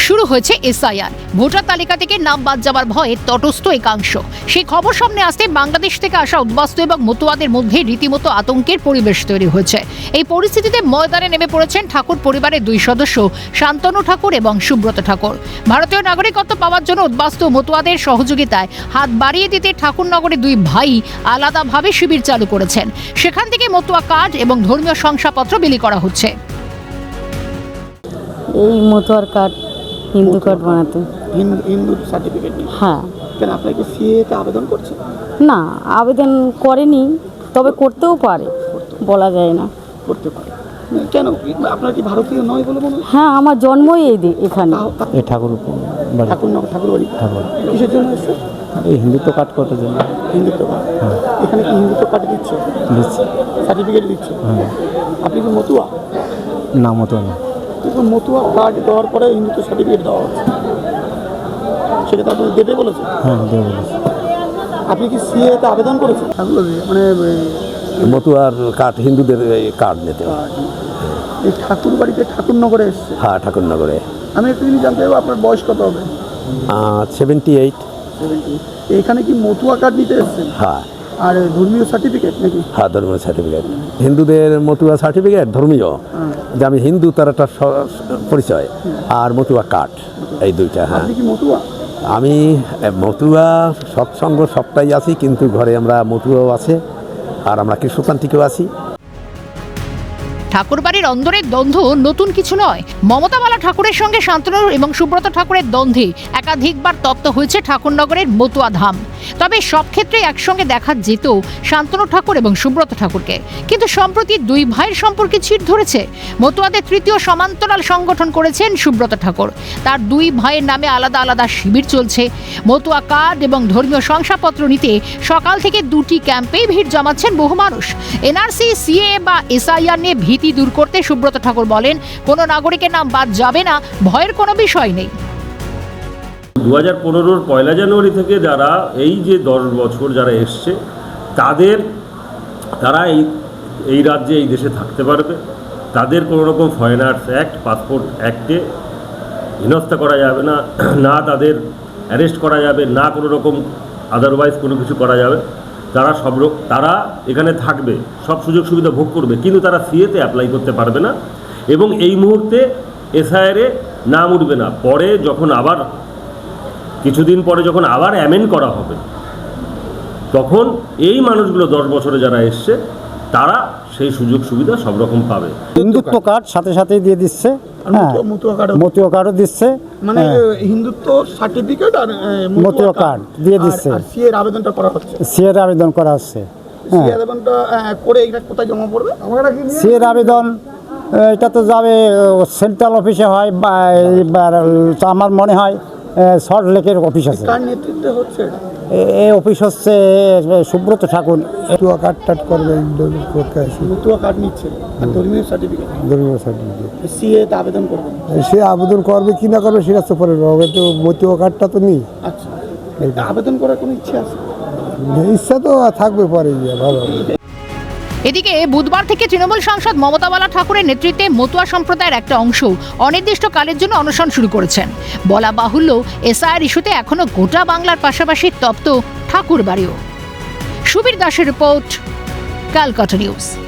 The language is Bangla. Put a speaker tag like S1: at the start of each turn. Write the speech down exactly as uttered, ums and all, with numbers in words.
S1: শুরু হয়েছে এসআইআর। ভোটার তালিকা থেকে নাম বাদ যাওয়ার ভয়ে তটস্থ একাংশ। সেই খবর সামনে আসতে বাংলাদেশ থেকে আসা উদ্বাস্তু এবং মতুয়াদের মধ্যে রীতিমতো আতঙ্কের পরিবেশ তৈরি হয়েছে। এই পরিস্থিতিতে ময়দানে নেমে পড়েছেন ঠাকুর পরিবারের দুই সদস্য শান্তনু ঠাকুর এবং সুব্রত ঠাকুর। ভারতীয় নাগরিকত্ব পাওয়ার জন্য উদ্বাস্তু মতুয়াদের সহযোগিতায় হাত বাড়িয়ে দিতে ঠাকুরনগরে দুই ভাই আলাদাভাবে শিবির চালু করেছেন। সেখান থেকে মতুয়া কার্ড এবং ধর্মীয় শংসাপত্র বিলি করা হচ্ছে।
S2: এই মতুয়ার কার্ড হিন্দু কার্ড বানাতে
S3: হিন্দু সার্টিফিকেট নেই।
S2: হ্যাঁ।
S3: কেন আপনার কি সিএতে আবেদন করছে?
S2: না, আবেদন করেনি, তবে করতেও পারে, বলা যায় না।
S3: করতে পারে কেন? আপনার কি ভারতীয় নয় বলে মনে হয়?
S2: হ্যাঁ, আমার জন্মই এই দি- এখানে।
S4: এই ঠাকুর
S3: ঠাকুর নগর ঠাকুর বাড়ি।
S4: ঠাকুর
S3: কিসের জন্য এসছে?
S4: এই হিন্দুত্ব কার্ড করার জন্য
S3: হিন্দুত্ব কার্ড। এখানে কি হিন্দুত্ব কার্ড দিচ্ছে?
S4: দিচ্ছি।
S3: সার্টিফিকেট দিচ্ছে?
S4: হ্যাঁ।
S3: আপনি কি মতুয়া?
S4: না, মতো না।
S3: কিন্তু মতুয়া কার্ড দেওয়ার পরে হিন্দুত্ব সার্টিফিকেট দেওয়া হচ্ছে, সেটা তো আপনি দেবে বলেছে?
S4: হ্যাঁ, দেবো বলেছি।
S3: আপনি কি সিএতে আবেদন করেছেন? মানে
S5: মতুয়ার কার্ড, হিন্দুদের কার্ড নিতে।
S3: এই ঠাকুর বাড়িতে ঠাকুরনগরে এসছে?
S5: হ্যাঁ, ঠাকুরনগরে।
S3: আমি একটু জিনিস জানতে চাইবো, আপনার বয়স কত হবে?
S5: Seventy eight.
S3: এখানে কি মতুয়া কার্ড নিতে এসছেন?
S5: হ্যাঁ।
S3: আর ধর্মীয় সার্টিফিকেট নাকি?
S5: হ্যাঁ, ধর্মীয় সার্টিফিকেট। হিন্দুদের মতুয়া সার্টিফিকেট ধর্মীয়, যে আমি হিন্দু তার একটা স- পরিচয়, আর মতুয়া কার্ড, এই দুইটা। হ্যাঁ,
S3: আপনি কি মতুয়া?
S5: আমি মতুয়া সৎসঙ্গ সবটাই আছি, কিন্তু ঘরে আমরা মতুয়াও আছে, আর আমরা কৃষ্ণতান্ত্রিকও আছি।
S1: ঠাকুরবাড়ির অন্দরের দ্বন্দ্ব নতুন কিছু নয়। মমতাবালা ঠাকুরের সঙ্গে শান্তনু এবং সুব্রত ঠাকুরের দ্বন্দ্বে একাধিকবার তপ্ত হয়েছে ঠাকুরনগরের মতুয়া ধাম। তবে সব ক্ষেত্রে একসঙ্গে দেখা যেত শান্তনু ঠাকুর এবং সুব্রত ঠাকুরকে, কিন্তু সম্প্রতি দুই ভাইয়ের সম্পর্কে চিড় ধরেছে। মতুয়াদের তৃতীয় সমান্তরাল সংগঠন করেছেন সুব্রত ঠাকুর। তার দুই ভাইয়ের নামে আলাদা আলাদা শিবির চলছে। মতুয়া কার্ড এবং ধর্মীয় শংসাপত্র নিতে সকাল থেকে দুটি ক্যাম্পেই ভিড় জমাচ্ছেন বহু মানুষ। এনআরসি, সিএ বা এসআইআর নিয়ে ভীতি দূর করতে সুব্রত ঠাকুর বলেন, কোনো নাগরিকের নাম বাদ যাবে না, ভয়ের কোনো বিষয় নেই।
S6: দু হাজার পনেরোর পয়লা জানুয়ারি থেকে যারা এই যে দশ বছর যারা এসছে, তাদের তারা এই এই রাজ্যে এই দেশে থাকতে পারবে। তাদের কোনো রকম ফরেনার্স অ্যাক্ট, পাসপোর্ট অ্যাক্টে হেনস্থা করা যাবে না, না তাদের অ্যারেস্ট করা যাবে, না কোনো রকম আদারওয়াইজ কোনো কিছু করা যাবে। তারা সব তারা এখানে থাকবে, সব সুযোগ সুবিধা ভোগ করবে, কিন্তু তারা সিএতে অ্যাপ্লাই করতে পারবে না এবং এই মুহূর্তে এসআইআরে নাম উঠবে না। পরে যখন আবার কিছুদিন পরে যখন আবার অ্যামেন্ড করা হবে, তখন এই মানুষগুলো দশ বছরে যারা এসছে তারা সেই সুযোগ সুবিধা সব রকম পাবে।
S4: হিন্দুত্ব কার্ড সাথে সাথেই দিয়ে দিচ্ছে।
S3: আর
S4: হ্যাঁ,
S3: মতুয়া- মতুয়া কার্ড,
S4: মতুয়া কার্ডও দিচ্ছে।
S3: মানে
S4: হ্যাঁ,
S3: হিন্দুত্ব সার্টিফিকেট আর
S4: মতুয়া কার্ড দিয়ে দিচ্ছে।
S3: সি এর আবেদনটা করা হচ্ছে।
S4: সিএর আবেদন করা হচ্ছে।
S3: সি
S4: হ্যাঁ,
S3: আবেদনটা আহ, করে এটা কোথায় জমা পড়বে? আমরা কি নিয়ে-
S4: সিএর আবেদন আহ, এটা তো যাবে সেন্ট্রাল অফিসে হয়, বা এবার আমার মনে হয় সল্ট লেকের অফিস আছে।
S3: কার নেতৃত্বে হচ্ছে এটা?
S4: এ- এই অফিস হচ্ছে সুব্রত ঠাকুর। মতুয়া কার্ড টার্ড করবে,
S3: মতুয়া কার্ড নিচ্ছে আর ধর্মীয় সার্টিফিকেট।
S4: ধর্মীয় সার্টিফিকেট
S3: সি এতে আবেদন করবে।
S4: সে আবেদন করবে কি না করবে সেটা তো পরে হবে, তো মতুয়া কার্ডটা তো নেই।
S3: আচ্ছা, আবেদন করার কোনো ইচ্ছে আছে?
S4: ইচ্ছা তো থাকবে পরে গিয়ে, ভালো।
S1: এদিকে বুধবার থেকে তৃণমূল সাংসদ মমতাবালা ঠাকুরের নেতৃত্বে মতুয়া সম্প্রদায়ের একটা অংশ অনির্দিষ্টকালের জন্য অনশন শুরু করেছেন। বলা বাহুল্য, এসআইআর ইস্যুতে এখনো গোটা বাংলার পাশাপাশি তপ্ত ঠাকুরবাড়িও। সুবীর দাসের রিপোর্ট, ক্যালকাটা নিউজ।